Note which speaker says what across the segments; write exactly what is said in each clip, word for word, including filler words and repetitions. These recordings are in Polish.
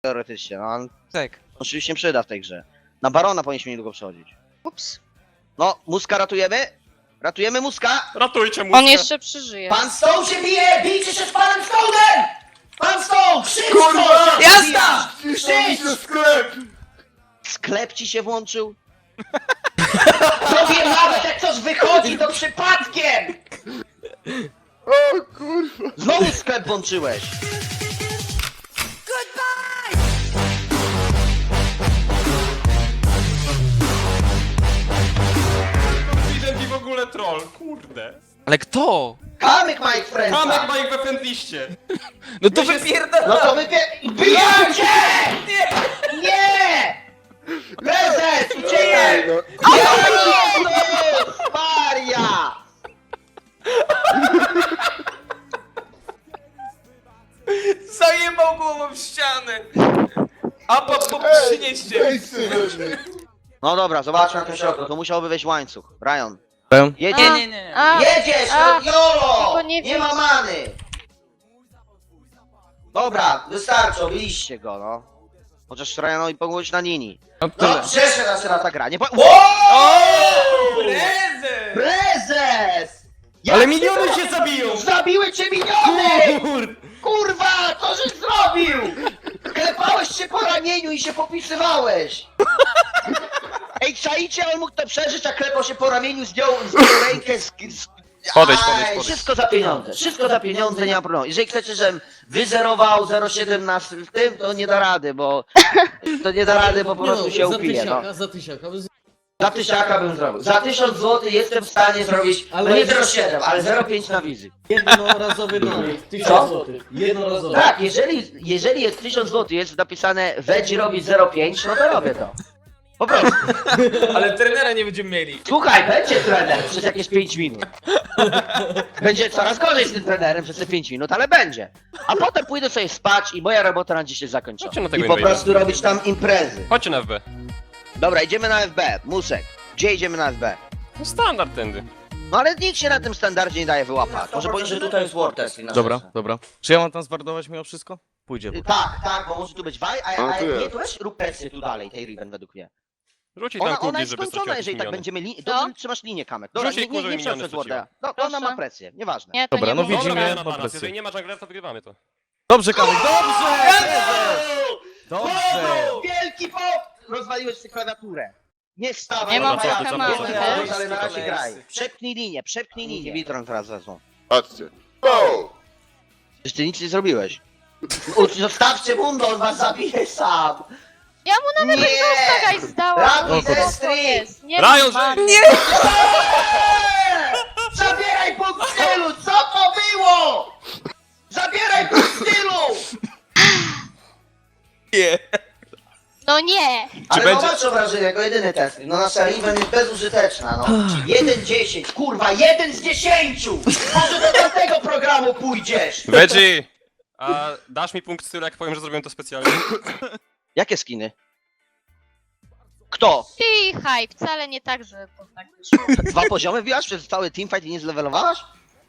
Speaker 1: Teoretycznie, no on
Speaker 2: Tak.
Speaker 1: oczywiście przyda w tej grze. Na Barona powinniśmy niedługo przechodzić.
Speaker 3: Ups.
Speaker 1: No, Muska ratujemy? Ratujemy Muska?
Speaker 4: Ratujcie mu.
Speaker 3: On jeszcze przeżyje.
Speaker 1: Pan Stone się bije! Bijcie się z panem Stone'em! Pan Stone! Krzycz!
Speaker 5: Kurwa!
Speaker 1: Jazda!
Speaker 5: Krzycz! Sklep!
Speaker 1: Sklep ci się włączył? Tobie nawet jak coś wychodzi, to przypadkiem!
Speaker 5: O kurwa!
Speaker 1: Znowu sklep włączyłeś!
Speaker 4: Confident i w ogóle troll, kurde.
Speaker 2: Ale kto?
Speaker 1: Kamyk Mike Friendsa!
Speaker 4: Kamek ma ich we friendliście.
Speaker 2: No to
Speaker 4: My się-
Speaker 2: wypierdala!
Speaker 1: No to wypie... Bijecie! Nie! Nie! Prezes! Uciekaj!
Speaker 5: no.
Speaker 1: Jezus Maria!
Speaker 2: Zajebał głową w ścianę! A po, po przynieście!
Speaker 5: Ej, synek!
Speaker 1: No dobra, zobaczmy na tym środku, to musiałby wejść łańcuch. Ryan.
Speaker 2: Nie,
Speaker 1: Jedzie...
Speaker 2: nie, nie.
Speaker 3: A,
Speaker 1: Jedziesz,
Speaker 3: a,
Speaker 1: no Jolo!
Speaker 3: tylko nie
Speaker 1: Nie
Speaker 3: wiem.
Speaker 1: ma many! Dobra, wystarczy, obiliście go, no. Chociaż Ryanowi pomogłeś na linii.
Speaker 2: No
Speaker 1: No,
Speaker 2: tyle.
Speaker 1: przeszedł nas na ta gra, nie po... Wow!
Speaker 2: Prezes!
Speaker 1: Prezes! Jak
Speaker 4: Ale
Speaker 1: ty
Speaker 4: miniony
Speaker 1: to-
Speaker 4: się zabiją!
Speaker 1: Zabiły cię miniony!
Speaker 4: Kur...
Speaker 1: Kurwa, co żeś zrobił? Klepałeś się po ramieniu i się popisywałeś! Ej, czaicie, on mógł to przeżyć, a klepał się po ramieniu, zdjął, zdjął rękę z... z...
Speaker 4: Podejdź,
Speaker 1: Aj,
Speaker 4: podejdź, podejdź.
Speaker 1: Wszystko za pieniądze, wszystko za pieniądze, nie ma problemu. Jeżeli chcecie, żebym wyzerował zero przecinek siedem na w tym, to nie da rady, bo... To nie da rady, bo po prostu się upije, no.
Speaker 6: Za tysiaka, za
Speaker 1: Za tysiaka bym zrobił. Za tysiąc złotych jestem w stanie zrobić, no nie zero przecinek siedem, ale zero przecinek pięć na wizy.
Speaker 6: jednorazowy donik,
Speaker 1: Co?
Speaker 6: tysiąc złotych. Jednorazowy.
Speaker 1: Tak, jeżeli, jeżeli jest tysiąc złotych, jest napisane Wedzi robi zero przecinek pięć, no to robię to. Po prostu.
Speaker 2: Ale trenera nie będziemy mieli.
Speaker 1: Słuchaj, będzie trener przez jakieś pięć minut. Będzie coraz gorzej z tym trenerem przez te pięć minut, ale będzie. A potem pójdę sobie spać i moja robota na dziś jest zakończona.
Speaker 4: Chodźcie na tego
Speaker 1: I po
Speaker 4: invade'a.
Speaker 1: prostu robić tam imprezy.
Speaker 4: Chodźcie na F B.
Speaker 1: Dobra, idziemy na F B. Musek. Gdzie idziemy na F B?
Speaker 4: No standard tędy.
Speaker 1: No ale nikt się na tym standardzie nie daje wyłapać. Może powiedzieć, że tutaj jest war test i na
Speaker 7: Dobra,
Speaker 1: rzeczy.
Speaker 7: dobra. Czy ja mam tam zwardować mimo wszystko? Pójdzie.
Speaker 1: Y, Tak, tak, bo może tu być waj, a,
Speaker 5: A,
Speaker 1: a,
Speaker 5: tu
Speaker 1: nie,
Speaker 5: jest.
Speaker 1: tu weź rób presję tu dalej, tej Riven według mnie.
Speaker 4: Rzucić tam
Speaker 1: Ona, ona
Speaker 4: kugli,
Speaker 1: jest
Speaker 4: żeby
Speaker 1: skończona,
Speaker 4: stracił
Speaker 1: jeżeli tak
Speaker 4: miniony.
Speaker 1: będziemy li...
Speaker 3: Co?
Speaker 1: Dobrze, trzymasz linię, Kamek. Dobra,
Speaker 4: Rzuć jej
Speaker 1: nie, nie,
Speaker 4: kurze,
Speaker 1: nie
Speaker 4: żeby
Speaker 1: przez
Speaker 4: miniony
Speaker 1: Worda. No, ona ma
Speaker 3: Proszę.
Speaker 1: presję, nieważne.
Speaker 3: Nie, to
Speaker 7: Dobra,
Speaker 3: nie
Speaker 7: no
Speaker 3: było.
Speaker 7: widzimy.
Speaker 4: Dobra, ja na
Speaker 7: po
Speaker 4: balans.
Speaker 7: presję.
Speaker 4: Jeżeli nie ma junglera, to wygrywamy to.
Speaker 7: Dobrze, Kamek, dobrze! Dobrze!
Speaker 1: Wielki po... Rozwaliłeś sobie klawiaturę. Nie wstawaj,
Speaker 3: Nie mam
Speaker 1: dobra,
Speaker 4: co,
Speaker 1: ja-
Speaker 4: co,
Speaker 1: nie
Speaker 4: co,
Speaker 1: wstawaj,
Speaker 4: co,
Speaker 1: ale na
Speaker 2: co,
Speaker 1: razie
Speaker 2: co,
Speaker 1: graj.
Speaker 2: co.
Speaker 1: Przepchnij linię, przepchnij linię. Witron teraz wezmą.
Speaker 5: Patrzcie. Go!
Speaker 1: Przecież ty nic nie zrobiłeś. U- Zostawcie Mundo, on was zabije sam.
Speaker 3: Ja mu nawet
Speaker 1: Nie!
Speaker 3: exhausta guys zdałam.
Speaker 1: Ratuj
Speaker 3: Co to
Speaker 1: Destry!
Speaker 3: jest? Nie
Speaker 4: Ryan,
Speaker 3: wiem,
Speaker 4: że-
Speaker 3: nie!
Speaker 1: Zabieraj punkt stylu! Co to było? Zabieraj punkt stylu!
Speaker 2: Nie.
Speaker 3: No nie!
Speaker 1: Ale
Speaker 4: będzie-
Speaker 1: zobacz obrażenie, jako jedyny test. No nasza Riven jest bezużyteczna, no. jeden dziesięć, kurwa, jeden z dziesięciu! Może do tamtego programu pójdziesz!
Speaker 4: Veggie! A dasz mi punkt stylu, jak powiem, że zrobiłem to specjalnie?
Speaker 1: Jakie skiny? Kto?
Speaker 3: Cichaj, wcale nie tak, że to tak wyszło.
Speaker 1: Dwa poziomy wbiłaś przez cały teamfight i nie zlewelowałaś?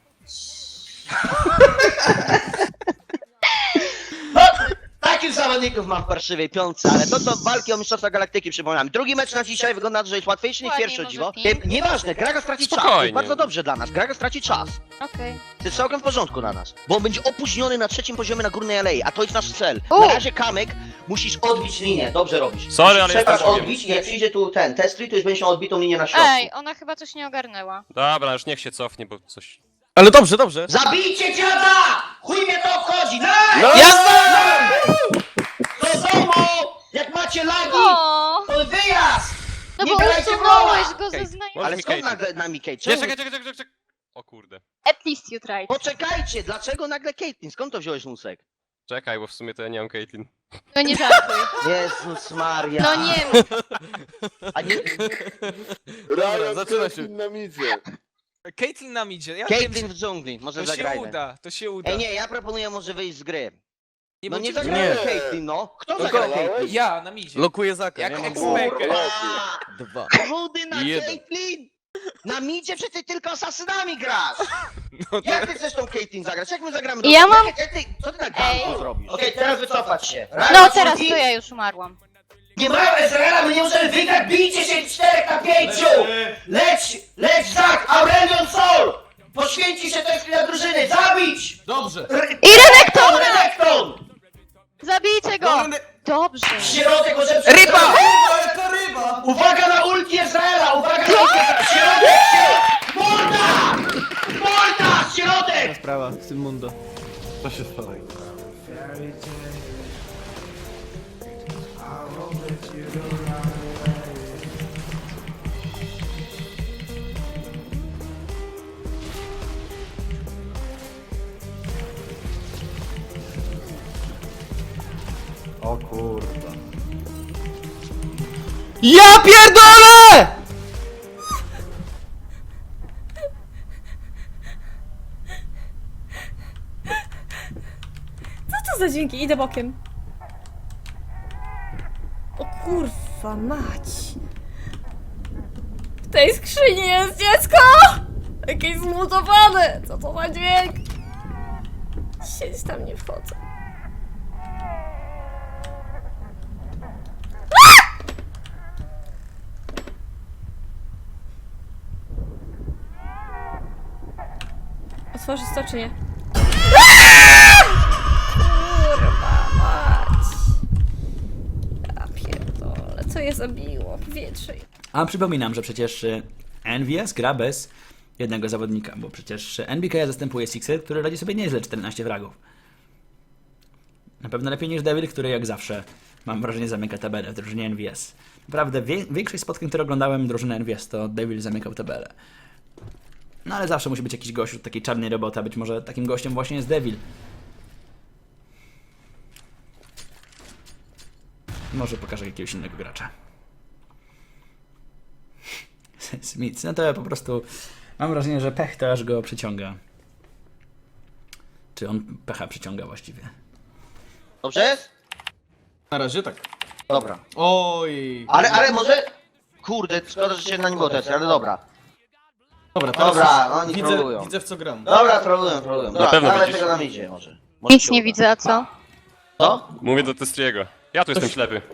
Speaker 1: No, takich zawodników mam w parszywej piątce, ale to to walki o Mistrzostwa Galaktyki przypominam. Drugi mecz na dzisiaj wygląda na to, że jest łatwiejszy niż
Speaker 3: Ładnie,
Speaker 1: pierwszy, o
Speaker 3: może
Speaker 1: dziwo.
Speaker 3: pięć.
Speaker 1: Nie- Nieważne, Graga straci czas, to
Speaker 4: Spokojnie.
Speaker 1: jest bardzo dobrze dla nas, Graga straci czas.
Speaker 3: Okej.
Speaker 1: To jest całkiem w porządku dla nas, bo on będzie opóźniony na trzecim poziomie na górnej alei, a to jest nasz cel.
Speaker 3: U.
Speaker 1: Na razie Kamek, musisz odbić linię, dobrze robisz.
Speaker 4: Sorry,
Speaker 1: Musisz
Speaker 4: ale
Speaker 1: przepaść,
Speaker 4: jestem Bogiem.
Speaker 1: odbić i jak przyjdzie tu ten testry, to już będziesz miał odbitą linię na środku.
Speaker 3: Ej, ona chyba coś nie ogarnęła.
Speaker 4: Dobra, już niech się cofnie, bo coś...
Speaker 7: Ale dobrze, dobrze!
Speaker 1: Zabijcie dziada! Chuj mnie to obchodzi! No!
Speaker 2: Jazda!
Speaker 1: Do domu! Jak macie lagi,
Speaker 3: O,
Speaker 1: to wyjazd!
Speaker 3: no
Speaker 1: Nie
Speaker 3: bo
Speaker 1: grajcie
Speaker 3: usunąłeś
Speaker 1: rola!
Speaker 3: go ze
Speaker 4: Okej.
Speaker 3: znajomych.
Speaker 4: Może
Speaker 1: Ale
Speaker 4: mi
Speaker 1: skąd
Speaker 4: Caitlyn.
Speaker 1: nagle na Mikej?
Speaker 4: Nie,
Speaker 1: Czemu?
Speaker 4: czekaj, czekaj, czekaj, czekaj! O kurde.
Speaker 3: At least you tried.
Speaker 1: Poczekajcie, dlaczego nagle Caitlyn? Skąd to wziąłeś Musek?
Speaker 4: Czekaj, bo w sumie to ja nie mam Caitlyn.
Speaker 3: No nie żartuj.
Speaker 1: Jezus Maria!
Speaker 3: No nie
Speaker 1: A nie...
Speaker 5: Ryan
Speaker 7: zaczyna się.
Speaker 5: Caitlyn na midzie.
Speaker 2: Caitlyn nam idzie. Ja
Speaker 1: Caitlyn
Speaker 2: wiem,
Speaker 1: w dżungli, może
Speaker 2: że to się
Speaker 1: zagrajmy.
Speaker 2: uda, to się uda.
Speaker 1: Ej nie, ja proponuję może wyjść z gry.
Speaker 2: Nie
Speaker 1: No nie
Speaker 2: bądźcie-
Speaker 1: zagrajmy
Speaker 5: Nie.
Speaker 1: Caitlyn, no! Kto
Speaker 2: No
Speaker 1: zagra
Speaker 5: go-
Speaker 1: Caitlyn?
Speaker 2: Ja, na midzie.
Speaker 7: Lokuję Zaka,
Speaker 2: Jak
Speaker 7: nie mam
Speaker 2: ekspert.
Speaker 7: głowy.
Speaker 1: Kurwa!
Speaker 7: Dwa.
Speaker 1: Rudy na
Speaker 7: Jeden.
Speaker 1: Caitlyn! Na midzie przecież ty tylko asasynami grasz!
Speaker 2: No to...
Speaker 1: Jak ty chcesz tą Caitlyn zagrać? Jak my zagramy?
Speaker 3: Ja mam-
Speaker 1: Jak, jak ty, co ty tak
Speaker 3: Ej.
Speaker 1: ganku zrobisz? Okej, teraz wycofać się.
Speaker 3: No
Speaker 1: Raz,
Speaker 3: teraz
Speaker 1: drugi.
Speaker 3: to ja już umarłam.
Speaker 1: Nie mają Ezreala, my nie możemy wygrać, bijcie się czterech na pięciu! Leć, leć Zak, Aurelion Sol! Poświęci się tej dla drużyny, zabić!
Speaker 6: Dobrze.
Speaker 3: I Renekton!
Speaker 1: Renekton!
Speaker 3: Zabijcie go! Dobrze.
Speaker 1: Środek może...
Speaker 2: Ryba!
Speaker 6: Ale to ryba!
Speaker 1: Uwaga na ulti Ezreala, uwaga na ulti Ezreala! Środek, środek! Morda! Morda! Środek!
Speaker 8: Sprawa, Sylmundo.
Speaker 5: Co się stało?
Speaker 8: O kurwa.
Speaker 7: Ja pierdolę!
Speaker 9: Co to za dźwięki? Idę bokiem. O kurwa mać. W tej skrzyni jest dziecko! Jakieś zmutowane! Co to za dźwięk? Siedź tam, nie wchodzę. Otworzyć to czy nie? Kurwa mać. Ja pierdolę, co je zabiło? Powietrze.
Speaker 10: A przypominam, że przecież y, N V S gra bez jednego zawodnika, bo przecież N B K zastępuje Sixer, który radzi sobie nieźle czternaście fragów. Na pewno lepiej niż Devil, który jak zawsze, mam wrażenie, zamyka tabelę w drużynie N V S. Naprawdę, wie, większość spotkań, które oglądałem drużyny N V S, to Devil zamykał tabelę. No ale zawsze musi być jakiś gość od takiej czarnej roboty, a być może takim gościem właśnie jest Devil. Może pokażę jakiegoś innego gracza. Smith, no to ja po prostu mam wrażenie, że pech to aż go przyciąga. Czy on pecha przyciąga właściwie?
Speaker 1: Dobrze jest?
Speaker 6: Na razie tak.
Speaker 1: Dobra.
Speaker 6: Oj.
Speaker 1: Ale, ale może... Kurde, szkoda, że się na nim było też, ale dobra.
Speaker 6: Dobra, teraz
Speaker 1: Dobra,
Speaker 6: już
Speaker 1: oni
Speaker 6: widzę,
Speaker 1: trollują.
Speaker 6: widzę w co gram.
Speaker 1: Dobra, trollują, trollują. Dobra,
Speaker 4: pewno
Speaker 1: dawaj
Speaker 4: widzisz.
Speaker 1: tego nam idzie może. Może
Speaker 3: Nic
Speaker 1: się
Speaker 3: nie
Speaker 1: uda.
Speaker 3: widzę, a co?
Speaker 1: Co?
Speaker 4: Mówię do Testriego. Ja tu jestem ślepy.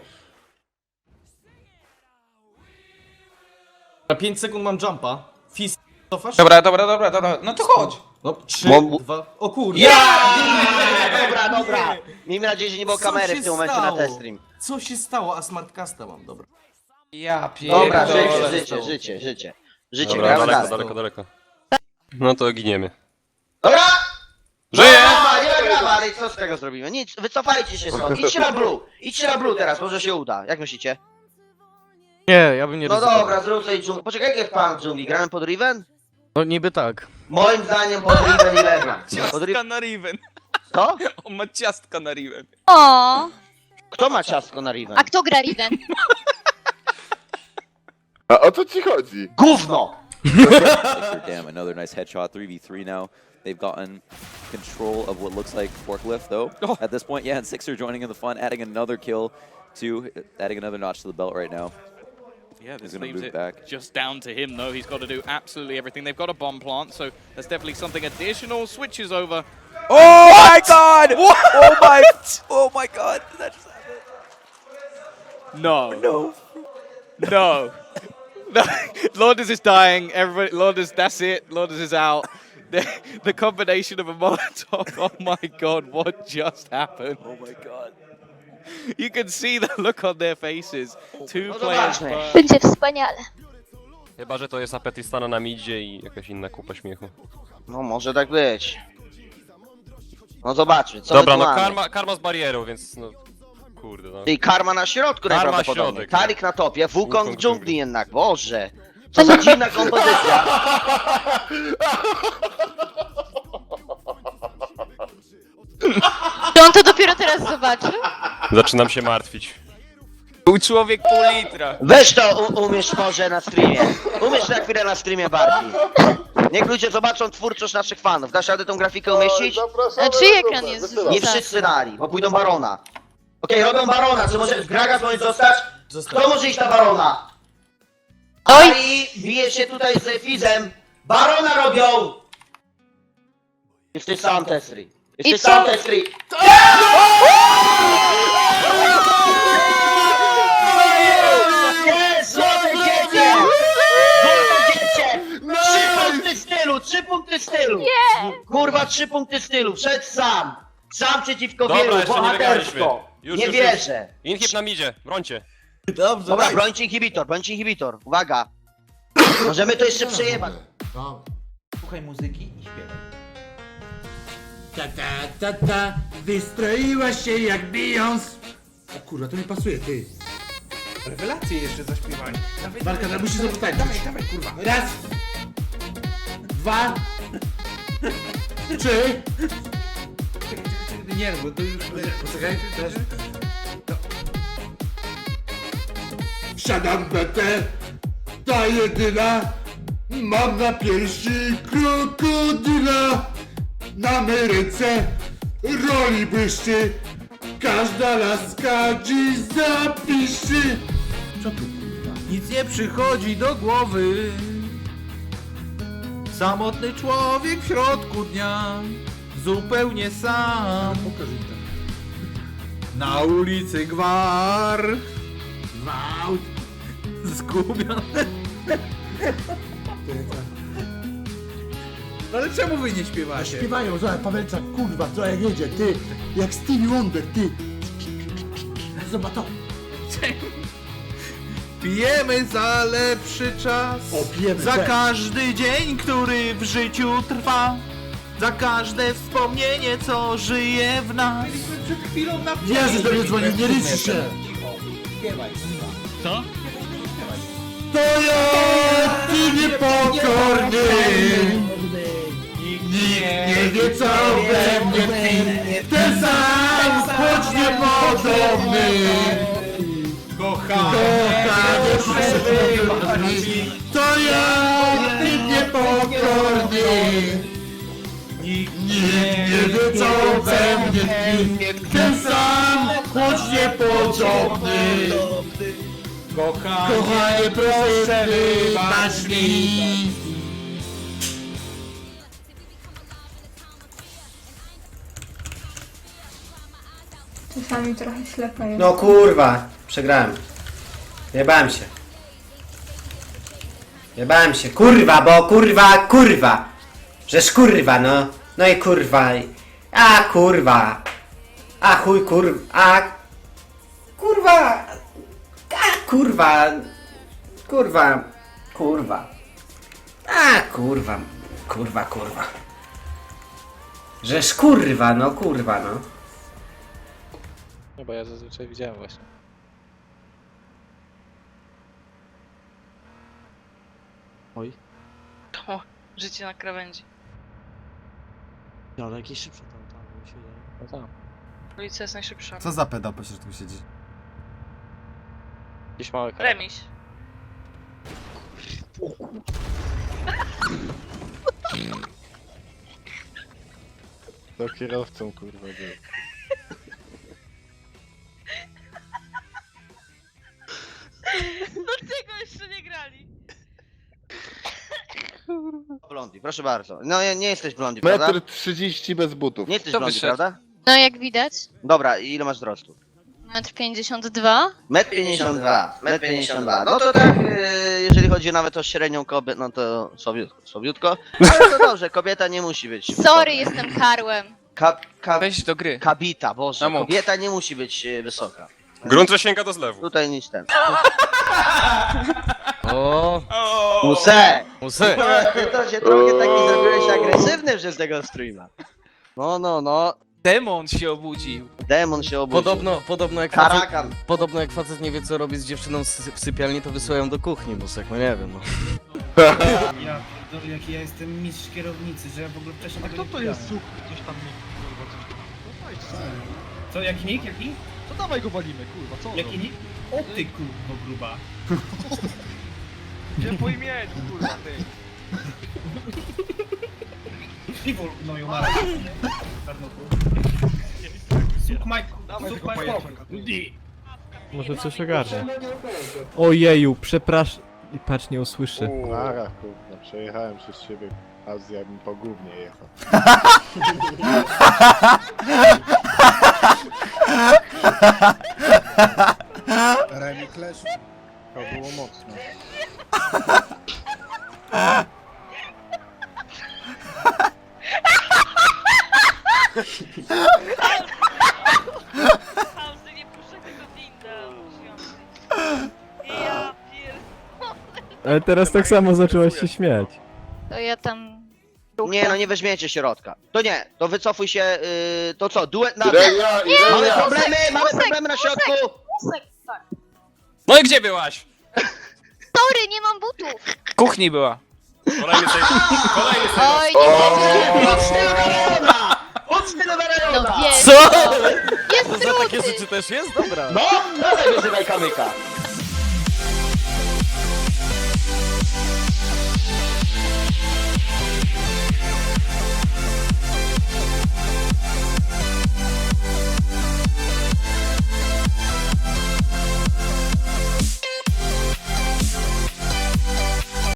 Speaker 6: Na pięć sekund mam jumpa. Fist, cofasz?
Speaker 2: Dobra, dobra, dobra, dobra, no to chodź.
Speaker 6: No, trzy,
Speaker 1: Mam-
Speaker 6: dwa... O kurde.
Speaker 1: Dobra, dobra. Miejmy nadzieję, że nie było
Speaker 6: Co
Speaker 1: kamery
Speaker 6: się
Speaker 1: w tym momencie na
Speaker 6: stało?
Speaker 1: test stream.
Speaker 6: Co się stało? A smartcasta mam, dobra.
Speaker 2: Ja pierdolę.
Speaker 1: Dobra, życie,
Speaker 6: Dobra,
Speaker 1: życie,
Speaker 6: stało.
Speaker 1: życie, życie. Życie,
Speaker 4: Dobra,
Speaker 1: gramy
Speaker 4: daleko,
Speaker 1: dalej.
Speaker 4: daleko, daleko. No to giniemy.
Speaker 1: Dobra!
Speaker 4: Żyję!
Speaker 1: Nie ma grama, nie ma grama, ale co z tego zrobimy? Nic, wycofajcie się stąd. Idźcie na blue. Idźcie na blue teraz, może się uda. Jak myślicie?
Speaker 7: Nie, ja bym nie
Speaker 1: No
Speaker 7: ryzykował.
Speaker 1: dobra, zrób sobie dżunglę. Poczekaj, jak jest pan w dżungli? Gramy pod Riven?
Speaker 7: No niby tak.
Speaker 1: Moim zdaniem pod Riven i Legion. Pod
Speaker 2: Ciastka
Speaker 1: Riven...
Speaker 2: na Riven.
Speaker 1: Co?
Speaker 2: On ma ciastka na Riven.
Speaker 3: O,
Speaker 1: Kto ma ciastko na Riven?
Speaker 3: a kto gra Riven?
Speaker 5: A o co ci chodzi?
Speaker 1: Gówno!
Speaker 11: Damn, another nice headshot, three v three now. They've gotten control of what looks like Forklift, though.
Speaker 2: Oh.
Speaker 11: At this point, yeah, and Sixer joining in the fun, adding another kill to, adding another notch to the belt right now.
Speaker 12: Yeah,
Speaker 11: He's
Speaker 12: this
Speaker 11: gonna
Speaker 12: leaves
Speaker 11: move
Speaker 12: it
Speaker 11: back.
Speaker 12: just down to him, though. He's got to do absolutely everything. They've got a bomb plant, so there's definitely something additional. Switches over.
Speaker 11: Oh my god! Oh my! Oh my god! Did that just happen?
Speaker 12: No.
Speaker 11: No.
Speaker 12: No. No. Lourdes is dying. Everybody, Lourdes, that's it. Lourdes is out. The, the combination of a Molotov. Oh my god, what just happened?
Speaker 11: Oh my god.
Speaker 12: You can see the look on their faces. Two
Speaker 1: No
Speaker 12: players.
Speaker 1: zobaczmy.
Speaker 12: burn.
Speaker 3: Będzie wspaniale.
Speaker 4: Chyba, że to jest Apetistana na midzie i jakaś inna kupa śmiechu.
Speaker 1: No może tak być. No zobaczmy, co
Speaker 4: Dobra,
Speaker 1: my tu
Speaker 4: no
Speaker 1: mamy.
Speaker 4: karma, karma z barierą, więc no... Kurde, no.
Speaker 1: I karma na środku
Speaker 4: Karma
Speaker 1: najprawdopodobniej.
Speaker 4: środek.
Speaker 1: Tarik na topie, Wukong
Speaker 4: Wukong
Speaker 1: w
Speaker 4: w
Speaker 1: dżungli
Speaker 4: dżungli.
Speaker 1: jednak, boże. Co za dziwna kompozycja.
Speaker 3: To on to dopiero teraz zobaczy?
Speaker 4: Zaczynam się martwić.
Speaker 2: Był człowiek pół litra.
Speaker 1: Weź to u- umiesz może na streamie. Umiesz na chwilę na streamie bardziej. Niech ludzie zobaczą twórczość naszych fanów. Dasz radę tą grafikę umieścić?
Speaker 5: Zapraszamy
Speaker 3: A czyj
Speaker 5: na
Speaker 3: ekran
Speaker 5: grupę,
Speaker 3: jest
Speaker 5: wysyłam.
Speaker 1: Nie wszyscy dali, bo pójdą Barona. Okej, robią Barona, czy może Gragas może zostać?
Speaker 6: Zostań.
Speaker 1: Kto może iść na Barona?
Speaker 3: Oj!
Speaker 1: Ari bije się tutaj z Fizem. Barona robią! Jeszcze sam Tesri. Jeszcze
Speaker 3: I
Speaker 1: sam
Speaker 3: co?
Speaker 1: Tesri. Jest! Złote dziecię! Złote dziecię! Trzy punkty stylu! Trzy punkty stylu!
Speaker 3: Nie!
Speaker 1: Kurwa, trzy punkty stylu! Wszedł sam! Sam przeciwko
Speaker 4: Dobra,
Speaker 1: wielu,
Speaker 4: jeszcze nie wygraliśmy.
Speaker 1: bohatersko!
Speaker 4: Już,
Speaker 1: Nie
Speaker 4: już,
Speaker 1: wierzę!
Speaker 4: Inhib nam idzie, brońcie.
Speaker 6: Dobrze,
Speaker 1: Dobra, brońcie inhibitor, brońcie inhibitor. Uwaga! Możemy to jeszcze przejebać.
Speaker 6: Słuchaj muzyki i śpiewaj.
Speaker 8: Ta ta ta ta, wystroiła się jak Beyoncé. O kurwa, to nie pasuje, ty.
Speaker 6: Rewelacje jeszcze zaśpiewali.
Speaker 8: Walka, ale musisz zapytać. Dawaj, dawaj, kurwa. Raz. Dwa. Trzy.
Speaker 6: Nie, bo to już...
Speaker 8: Poczekaj, teraz. Siadam B T, ta jedyna. Mam na piersi krokodyla. Na mej ręce roli błyszczy. Każda laska dziś zapiszy. Co tu kurwa?
Speaker 6: Nic nie przychodzi do głowy. Samotny człowiek w środku dnia. Zupełnie sam.
Speaker 8: Pokaż mi to.
Speaker 6: Na ulicy gwar.
Speaker 8: Gwałt.
Speaker 6: Zgubiony. Ale czemu wy nie śpiewacie?
Speaker 8: Śpiewają, zobacz, Pawelczak, kurwa, co jak jedzie, ty. Jak Stevie Wonder, ty. Zobacz to.
Speaker 6: Pijemy za lepszy czas.
Speaker 8: O, pijemy,
Speaker 6: Za
Speaker 8: tak.
Speaker 6: każdy dzień, który w życiu trwa. Za każde wspomnienie, co żyje w nas. Byliśmy przed chwilą na
Speaker 8: Jezus do mnie dzwoni, nie liczy się.
Speaker 6: Co?
Speaker 8: To ja, ty niepokorny. Nikt nie wie, co we mnie tkwi. Ten sam, choć niepodobny. Kochany przebywa mi. To ja, ty niepokorny. Nikt nie wie, co we mnie tkwi. Ten sam, choć niepodobny. Kochanie, proszę wybacz mi.
Speaker 9: Czasami trochę ślepa jest.
Speaker 7: No kurwa, przegrałem. Jebałem się. Jebałem się, kurwa, bo kurwa, kurwa. Żeż kurwa, no. No i kurwa. A kurwa. A chuj kurwa. A kurwa. A kurwa. Kurwa. Kurwa. A kurwa. Kurwa, kurwa. Żeż kurwa, no kurwa, no.
Speaker 12: No bo ja zazwyczaj widziałem właśnie.
Speaker 7: Oj.
Speaker 3: O, życie na krawędzi.
Speaker 7: Ale jakieś szybsze tam, tam, mi się wydaje.
Speaker 12: No tam.
Speaker 3: Policja jest najszybsza.
Speaker 6: Co za pedał po środku siedzi?
Speaker 12: Gdzieś mały kraj.
Speaker 3: Remiś.
Speaker 5: To kierowcą kurwa był.
Speaker 3: No tego jeszcze nie grali.
Speaker 1: Blondi, proszę bardzo. No nie, nie jesteś blondi, prawda?
Speaker 5: Metr trzydzieści bez butów.
Speaker 1: Nie jesteś
Speaker 2: Kto
Speaker 1: blondi,
Speaker 2: wyszedł?
Speaker 1: prawda?
Speaker 3: No jak widać,
Speaker 1: Dobra, i ile masz wzrostu?
Speaker 3: metr pięćdziesiąt dwa.
Speaker 1: Metr pięćdziesiąt dwa, metr pięćdziesiąt dwa. No to tak, e, jeżeli chodzi nawet o średnią kobietę, no to słabiutko, słabiutko. Ale to dobrze, kobieta nie musi być.
Speaker 3: Sorry, jestem karłem.
Speaker 1: Ka, ka,
Speaker 2: Weź do gry.
Speaker 1: kabita, boże,
Speaker 2: No mów.
Speaker 1: kobieta nie musi być e, wysoka.
Speaker 4: Grunt sięga do zlewu.
Speaker 1: Tutaj nic ten.
Speaker 7: O,
Speaker 1: Muse!
Speaker 7: musy.
Speaker 1: Ty to się trochę taki zrobiłeś agresywny przez tego streama. No, no, no.
Speaker 2: Demon się obudził.
Speaker 1: Demon się obudził.
Speaker 7: Podobno, podobno jak facet,
Speaker 1: Karakan.
Speaker 7: podobno jak facet nie wie co robi z dziewczyną z- w sypialni, to wysyłają do kuchni, musek, no nie wiem, no.
Speaker 6: Ja pierdolę, jaki ja jestem mistrz kierownicy, że ja w ogóle wcześniej tego nie widziałem.
Speaker 8: słuch? Coś tam
Speaker 6: Co, jaki nick? Jaki?
Speaker 8: To dawaj go walimy, kurwa, co?
Speaker 6: Jaki nick? O ty kurwa gruba.
Speaker 8: Nie po imieniu, kurwa, ty.
Speaker 6: Piwo gnoju mara. Suk Mike, suk Mike.
Speaker 8: Może coś ogarnie. Ojeju, przepraszam.
Speaker 13: I patrz, nie usłyszy.
Speaker 5: Nara, kurwa, przejechałem przez siebie. Azja mi po gównie jechał.
Speaker 8: Remi Clash.
Speaker 5: To było mocno.
Speaker 3: Pauzy, nie puszczę tego winda. Ja pierdolę.
Speaker 13: Ale teraz tak samo zaczęłaś się śmiać.
Speaker 3: To ja tam...
Speaker 1: Nie no, nie weźmiecie środka. To nie, to wycofuj się, yy, to co, duet na dół.
Speaker 5: Irelia,
Speaker 1: Mamy
Speaker 5: Irelia!
Speaker 1: problemy, mamy problemy na środku.
Speaker 2: No i gdzie byłaś?
Speaker 3: Sorry, nie mam butów!
Speaker 2: W kuchni była.
Speaker 4: Kolejny save. Kolejny save.
Speaker 3: Oj, nie będzie.
Speaker 1: Od stylu Verona! Od stylu
Speaker 3: No
Speaker 1: Verona!
Speaker 3: wiesz,
Speaker 2: Co?
Speaker 3: Jest
Speaker 4: Za takie
Speaker 3: druty!
Speaker 4: rzeczy też jest? Dobra.
Speaker 1: No, dawaj wyzywaj kamyka.